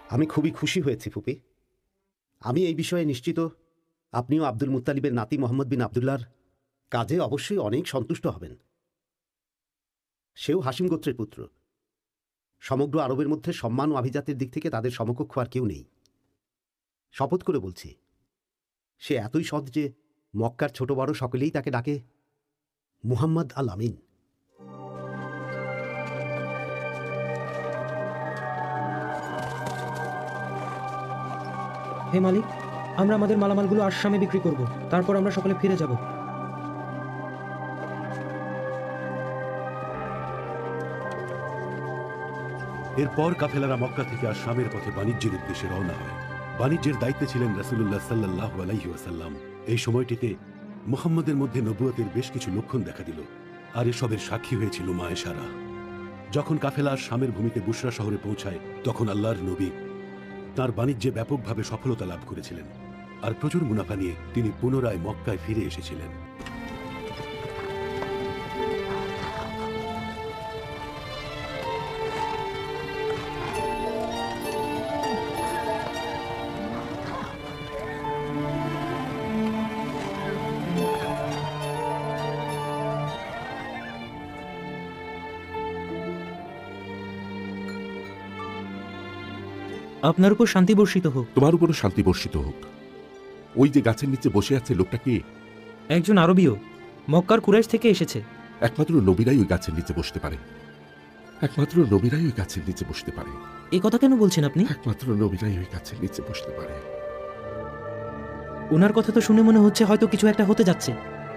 আমি খুবই খুশি হয়েছি ফুপি। আমি এই বিষয়ে নিশ্চিত আপনিও আব্দুল মুত্তালিবের নাতি মোহাম্মদ বিন আবদুল্লাহর কাজে অবশ্যই অনেক সন্তুষ্ট হবেন। সেও হাসিম গোত্রের পুত্র। সমগ্র আরবের মধ্যে সম্মান ও আভিজাতের দিক থেকে তাদের সমকক্ষ আর কেউ নেই। শপথ করে বলছি, সে এতই সৎ যে মক্কার ছোট বড় সকলেই তাকে ডাকে মুহাম্মদ আল আমিন। হে মালিক, আমরা আমাদের মালামালগুলো আসামে বিক্রি করব, তারপর আমরা সকলে ফিরে যাব। এরপর কাফেলারা মক্কা থেকে আসামের পথে বাণিজ্যের উদ্দেশ্যে রওনা হয়। বাণিজ্যের দায়িত্বে ছিলেন রাসূলুল্লাহ সাল্লাল্লাহু আলাইহি ওয়াসাল্লাম। এই সময়টিতে মুহাম্মদের মধ্যে নবুয়তের বেশ কিছু লক্ষণ দেখা দিল, আর এসবের সাক্ষী হয়েছিল মা আয়েশারা। যখন কাফেলা শামের ভূমিতে বুশরা শহরে পৌঁছায়, তখন আল্লাহর নবী তাঁর বাণিজ্যে ব্যাপকভাবে সফলতা লাভ করেছিলেন, আর প্রচুর মুনাফা নিয়ে তিনি পুনরায় মক্কায় ফিরে এসেছিলেন। আপনার উপর শান্তি বর্ষিত হোক। তোমার উপরও শান্তি বর্ষিত হোক। ওই যে গাছের নিচে বসে আছে লোকটা কে? একজন আরবীয়, মক্কার কুরাইশ থেকে এসেছে। একমাত্র নবীরাই ওই গাছের নিচে বসতে পারে। একমাত্র নবীরাই ওই গাছের নিচে বসতে পারে। এ কথা কেন বলছেন আপনি? একমাত্র নবীরাই ওই গাছের নিচে বসতে পারে। ওনার কথা তো শুনে মনে হচ্ছে হয়তো কিছু একটা হতে যাচ্ছে।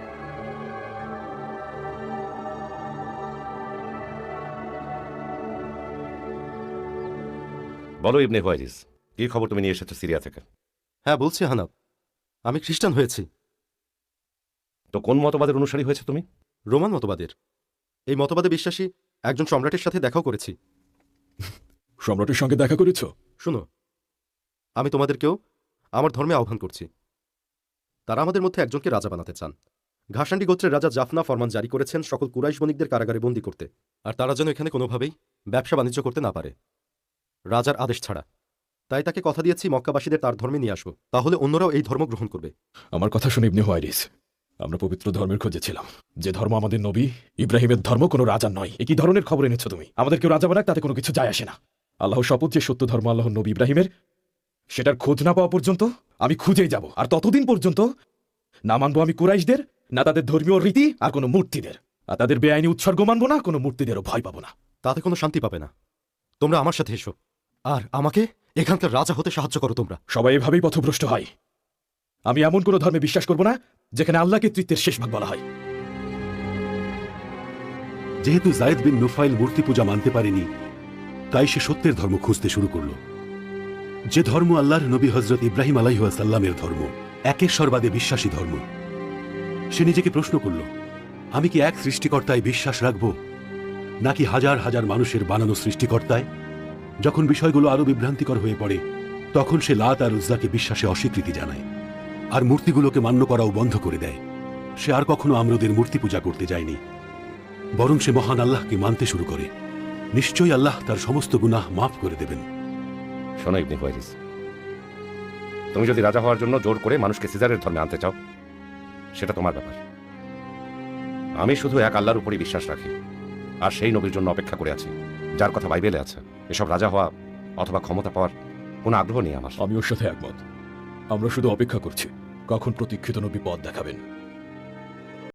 বলো ইবনে হুয়াইরিস, কি খবর তুমি নিয়ে এসেছো সিরিয়া থেকে? হ্যাঁ বলছি হানাব, আমি খ্রিস্টান হয়েছি। তো কোন মতবাদের অনুসারী হয়েছে তুমি? রোমান মতবাদের। এই মতবাদে বিশ্বাসী একজন সম্রাটের সাথে দেখাও করেছি। সম্রাটের সঙ্গে দেখা করেছ? শুনো, আমি তোমাদেরকেও আমার ধর্মে আহ্বান করছি। তারা আমাদের মধ্যে একজনকে রাজা বানাতে চান। ঘাসান্ডি গোত্রের রাজা জাফনা ফরমান জারি করেছেন সকল কুরাইশ বণিকদের কারাগারে বন্দী করতে, আর তারা যেন এখানে কোনোভাবেই ব্যবসা বাণিজ্য করতে না পারে রাজার আদেশ ছাড়া। তাই তাকে কথা দিয়েছি মক্কাবাসীদের তার ধর্মে নিয়ে আসবো, তাহলে অন্যরাও এই ধর্ম গ্রহণ করবে। আমার কথা শুনে ইবনে হুয়াইরিস, আমরা পবিত্র ধর্মের খোঁজে ছিলাম। যে ধর্ম আমাদের নবী ইব্রাহিমের ধর্ম, কোনো রাজার নয়। একই ধরনের খবর এনেছো তুমি। আমাদের কেউ রাজা বানাক, তাতে কোনো কিছু যায় আসে না। আল্লাহ শপথ, যে সত্য ধর্ম আল্লাহর নবী ইব্রাহিমের, সেটার খোঁজ না পাওয়া পর্যন্ত আমি খুঁজেই যাব। আর ততদিন পর্যন্ত না মানবো আমি কুরাইশদের, না তাদের ধর্মীয় রীতি, আর কোনো মূর্তিদের। আর তাদের বেআইনি উৎসর্গ মানবো না, কোনো মূর্তিদেরও ভয় পাবো না। তাতে কোনো শান্তি পাবে না। তোমরা আমার সাথে এসো, আর আমাকে এখানকার রাজা হতে সাহায্য করো। তোমরা সবাই এভাবেই পথভ্রষ্ট হয়। আমি এমন কোনো ধর্মে বিশ্বাস করব না যেখানে আল্লাহকে তৃতীয়ের শেষ ভাগ বলা হয়। যেহেতু যায়েদ বিন নুফাইল মূর্তি পূজা মানতে পারেনি, তাই সে সত্যের ধর্ম খুঁজতে শুরু করল, যে ধর্ম আল্লাহর নবী হযরত ইব্রাহিম আলাইহিস সালামের ধর্ম, একেশ্বরবাদে বিশ্বাসী ধর্ম। সে নিজেকে প্রশ্ন করল, আমি কি এক সৃষ্টিকর্তায় বিশ্বাস রাখব, নাকি হাজার হাজার মানুষের বানানো সৃষ্টিকর্তায়? যখন বিষয়গুলো আরো বিভ্রান্তিকর হয়ে পড়ে, তখন সে লাত আর উজ্জাকে বিশ্বাসে অস্বীকৃতি জানায়, আর মূর্তিগুলোকে মান্য করাও বন্ধ করে দেয়। সে আর কখনো আমরদের মূর্তি পূজা করতে যায়নি, বরং সে মহান আল্লাহকে মানতে শুরু করে। নিশ্চয়ই আল্লাহ তার সমস্ত গুনাহ মাফ করে দেবেন। শোনো ইবনে হুয়াইরিস, তুমি যদি রাজা হওয়ার জন্য জোর করে মানুষকে সিজারের ধর্মে আনতে চাও, সেটা তোমার ব্যাপার। আমি শুধু এক আল্লাহর উপরই বিশ্বাস রাখি, আর সেই নবীর জন্য অপেক্ষা করে আছি যার কথা বাইবেলে আছে। এসব রাজা হওয়া অথবা ক্ষমতা পাওয়ার কোনো আগ্রহ নেই আমার। আমি ওর সাথে একমত। আমরা শুধু অপেক্ষা করছি কখন প্রতীক্ষিত নবী পথ দেখাবেন।